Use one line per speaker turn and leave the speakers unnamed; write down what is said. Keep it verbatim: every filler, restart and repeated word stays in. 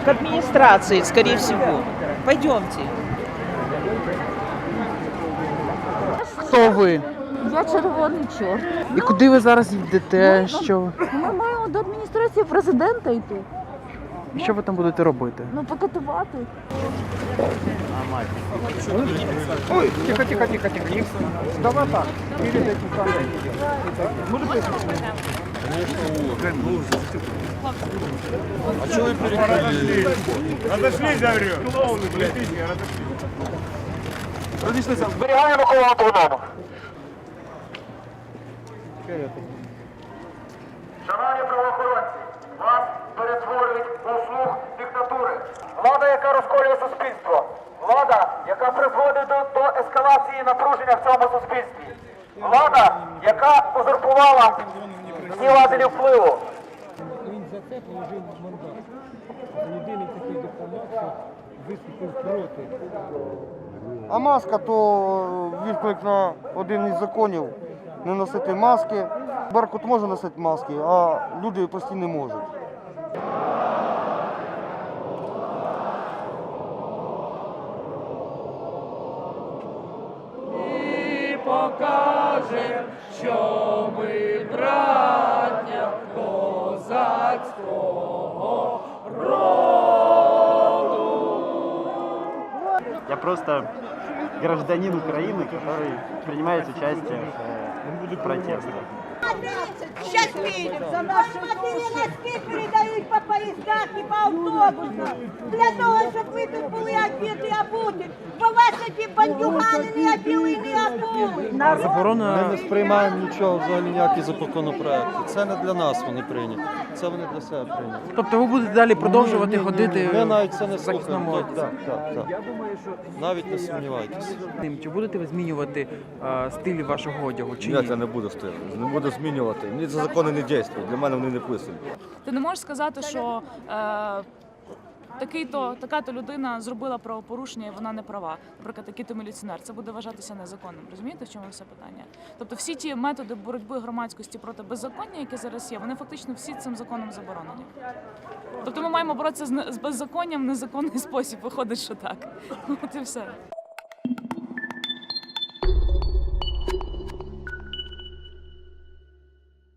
К администрации, скорее всего. Пойдемте.
Хто ви?
Я червоний чорт.
І куди ви зараз йдете? Що,
Ми маємо до адміністрації президента йти.
що ви там будете робити?
Ну, покатувати.
Ой, тихо, тихо, тихо, тихо. Давай так.
А что вы перекрыли?
Разошлись, говорю.
Разошлись.
Зберігаємо коло автоному. Шановні правоохоронці, вас перетворюють у слуг диктатури. Влада, яка розколює суспільство. Влада, яка призводить до, до ескалації напруження в цьому суспільстві. Влада, яка узурпувала всі важелі впливу.
Він за це положив мандат. Єдиний такий дипломат, що виступив проти.
А маска то відклик на один із законів не носити маски. Беркут може носити маски, а люди прості не можуть.
І покажем, що ми браття козацького роду.
Я просто гражданин Украины, который принимает участие в протестах.
Сейчас видим, за наши носки передають по поїздах і по автобусах. Для того, щоб ви тут були одіти, обуті. Бо вас ці бандюгани не оділи, не обули.
Ми не сприймаємо нічого, взагалі ніякі законопроекти. Це не для нас вони прийняті, це вони для себе прийняті.
Тобто ви будете далі продовжувати ходити
Ми навіть це не
в захисному
слухаємо.
одязі?
Так, так, так. Навіть не сумнівайтеся.
Чи будете ви змінювати е, стиль вашого одягу? Чи ні?
Ні, я не буду стилю, не буду змінювати. Мені ці закони не діють, для мене вони не писані.
Ти не можеш сказати, що е, такий-то, така-то людина зробила правопорушення і вона не права. Наприклад, такий-то міліціонер. Це буде вважатися незаконним. Розумієте, в чому все питання? Тобто всі ті методи боротьби громадськості проти беззаконня, які зараз є, вони фактично всі цим законом заборонені. Тобто ми маємо боротися з беззаконням в незаконний спосіб. Виходить, що так. От і все.